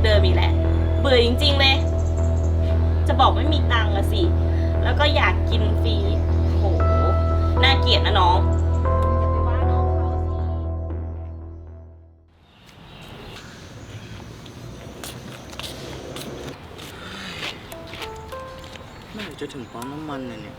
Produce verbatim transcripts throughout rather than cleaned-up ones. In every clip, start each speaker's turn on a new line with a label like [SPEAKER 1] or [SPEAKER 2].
[SPEAKER 1] เดิมอีกแหละเบื่อจริงๆเลยจะบอกไม่มีตังค์อะสิแล้วก็อยากกินฟรีโหน่าเกลียดนะน้องอย่าไปว่าน้องเขาสิ
[SPEAKER 2] เมื่อไหร่จะถึงปั๊มน้ำมันเนี่ยเนี่ย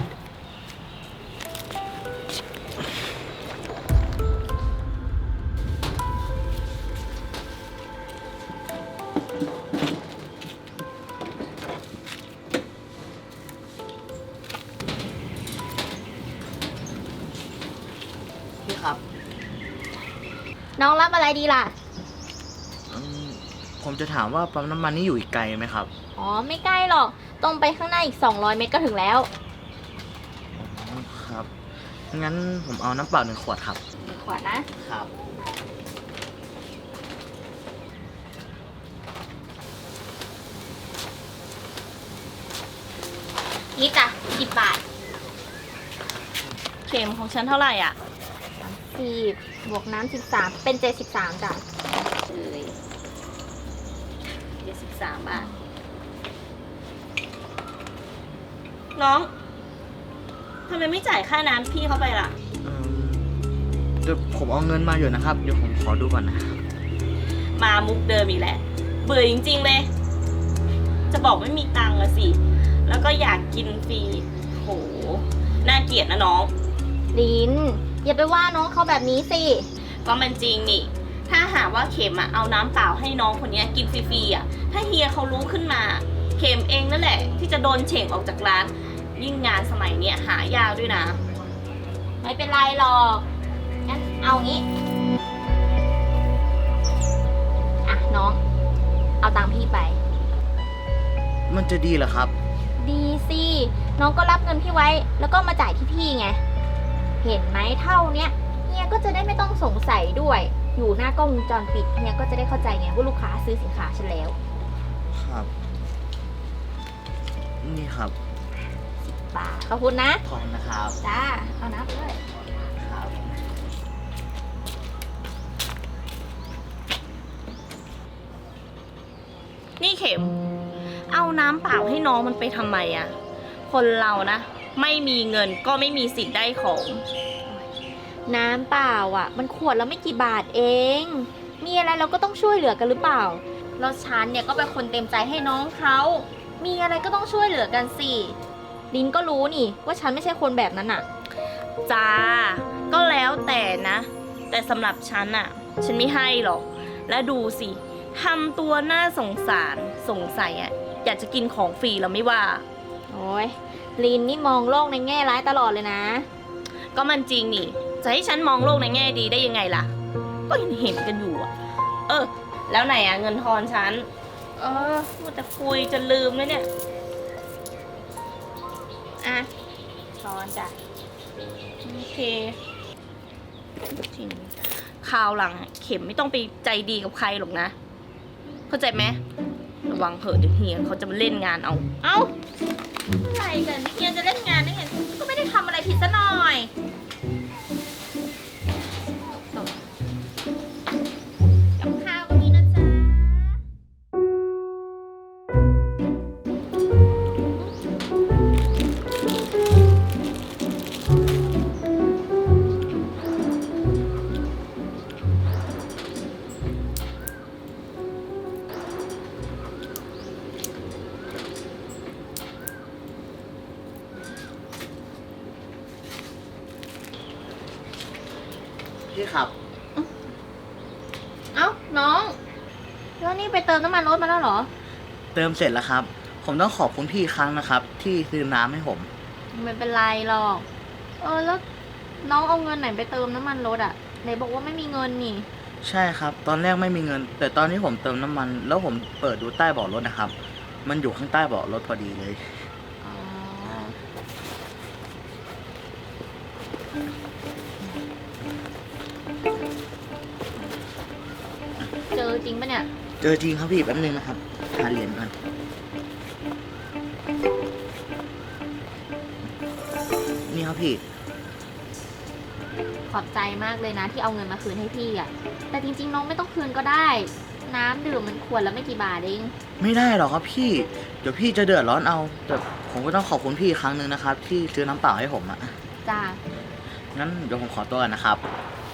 [SPEAKER 2] พี่ครับ
[SPEAKER 3] น้องรับอะไรดีล่ะ
[SPEAKER 2] อืมผมจะถามว่าปั๊มน้ำมันนี่อยู่อีกไกลไหมครับ
[SPEAKER 3] อ๋อ ไม่ใกล้หรอก ตรงไปข้างหน้าอีก สองร้อย เมตรก็ถึงแล้ว
[SPEAKER 2] อ๋อครับ งั้นผมเอาน้ำเปล่าหนึ่งขวดครับ
[SPEAKER 3] ขวดนะ
[SPEAKER 2] ครับ
[SPEAKER 3] นี่จ้ะสิบบาท
[SPEAKER 1] เข็มของฉันเท่าไหร่อ่ะ
[SPEAKER 3] สี่บวกน้ำสิบสามเป็นเจ็ดสิบสามจ้ะ
[SPEAKER 1] เลยเจ็ดสิบสามบาทน้องทำไมไม่จ่ายค่าน้ำพี่เขาไปล่ะ
[SPEAKER 2] เอิ่มเดี๋ยวผมเอาเงินมาอยู่นะครับ เดี๋ยวผมขอดูก่อนนะครับ
[SPEAKER 1] มามุกเดิมอีกแหละเบื่อจริงๆเลย จะบอกไม่มีตังค์อะสิแล้วก็อยากกินฟรีโหน่าเกลียดนะน้อง
[SPEAKER 3] ลิน อย่าไปว่าน้องเขาแบบนี้สิ
[SPEAKER 1] ก็มันจริงนี่ ถ้าหากว่าเข็มอะเอาน้ำเปล่าให้น้องคนนี้กินฟรีๆอะถ้าเฮียเขารู้ขึ้นมา เข็มเองนั่นแหละ ที่จะโดนเฉ่งออกจากร้าน ยิ่งงานสมัยเนี้ยหายากด้วยนะ
[SPEAKER 3] ไม่เป็นไรหรอก งั้นเอางี้ อ่ะน้อง เอาตังค์พี่ไป
[SPEAKER 2] มันจะดีเหรอครับ
[SPEAKER 3] ดีสิ น้องก็รับเงินพี่ไว้ แล้วก็มาจ่ายที่พี่ไง เห็นไหมเท่าเนี้ยเฮียก็จะได้ไม่ต้องสงสัยด้วย อยู่หน้ากล้องวงจรปิดเฮียก็จะได้เข้าใจไงว่าลูกค้าซื้อสินค้าฉันแล้ว
[SPEAKER 2] ครับ นี่ครับ
[SPEAKER 3] ป่าขอบคุณนะ
[SPEAKER 2] ขอบคุณนะครับ
[SPEAKER 3] จ้า เอานับเลย
[SPEAKER 2] ครับ
[SPEAKER 1] นี่เข็ม เอาน้ำเปล่าให้น้องมันไปทำไมอะคนเรานะ ไม่มีเงินก็ไม่มีสิทธิ์ได้ของ
[SPEAKER 3] น้ำเปล่าอ่ะ มันขวดแล้วไม่กี่บาทเอง มีอะไรเราก็ต้องช่วยเหลือกันหรือเปล่าแล้วฉันเนี่ยก็เป็นคนเต็มใจให้น้องเขามีอะไรก็ต้องช่วยเหลือกันสิลินก็รู้นี่ว่าฉันไม่ใช่คนแบบนั้นอ่ะ
[SPEAKER 1] จ้า ก็แล้วแต่นะ แต่สำหรับฉันอะฉันไม่ให้หรอก และดูสิทำตัวน่าสงสารสงสัยอะอยากจะกินของฟรีแล้วไม่ว่า
[SPEAKER 3] โอ้ยลินนี่มองโลกในแง่ร้ายตลอดเลยนะ
[SPEAKER 1] ก็มันจริงนี่ จะให้ฉันมองโลกในแง่ดีได้ยังไงล่ะ ก็เห็นเห็นกันอยู่อะเออ แล้วไหนอะเงินทอนฉัน เออมัวแต่คุยจะลืมแล้วเนี่ย
[SPEAKER 3] อ่ะช้อนจ้ะ
[SPEAKER 1] โอเคจริงคราวหลังอะเข็มไม่ต้องไปใจดีกับใครหรอกนะ เข้าใจไหมระวังเถอะเดี๋ยวเฮียเขาจะมาเล่นงานเอา
[SPEAKER 3] เอ้าอะไรกันเฮียจะเล่นงานได้ไงก็ไม่ได้ทำอะไรผิดซะหน่อยกับข้าวก็มีนะจ๊ะ
[SPEAKER 2] พี่ครับ
[SPEAKER 3] เอ้าน้องแล้วนี่ไปเติมน้ำมันรถมาแล้วเหรอ
[SPEAKER 2] เติมเสร็จแล้วครับ ผมต้องขอบคุณพี่อีกครั้งนะครับ ที่ซื้อน้ำให้ผม
[SPEAKER 3] ไม่เป็นไรหรอก เออแล้วน้องเอาเงินไหนไปเติมน้ำมันรถอ่ะไหนบอกว่าไม่มีเงินนี่
[SPEAKER 2] ใช่ครับ ตอนแรกไม่มีเงิน แต่ตอนที่ผมเติมน้ำมัน แล้วผมเปิดดูใต้เบาะรถนะครับ มันอยู่ข้างใต้เบาะรถพอดีเลย
[SPEAKER 3] อ๋อ เจอจริงปะเนี่ย
[SPEAKER 2] เจอจริงครับพี่แป๊บนึงนะครับหาเหรียญก่อนนี่ครับพี่
[SPEAKER 3] ขอบใจมากเลยนะที่เอาเงินมาคืนให้พี่อ่ะ แต่จริงๆน้องไม่ต้องคืนก็ได้น้ำดื่มมันขวดละไม่กี่บาทเอง
[SPEAKER 2] ไม่ได้หรอกครับพี่ เดี๋ยวพี่จะเดือดร้อนเอา แต่ผมก็ต้องขอบคุณพี่อีกครั้งหนึ่งนะครับ ที่ซื้อน้ำเปล่าให้ผมอะ
[SPEAKER 3] จ้า
[SPEAKER 2] งั้นเดี๋ยวผมขอตัวก่อนนะครับ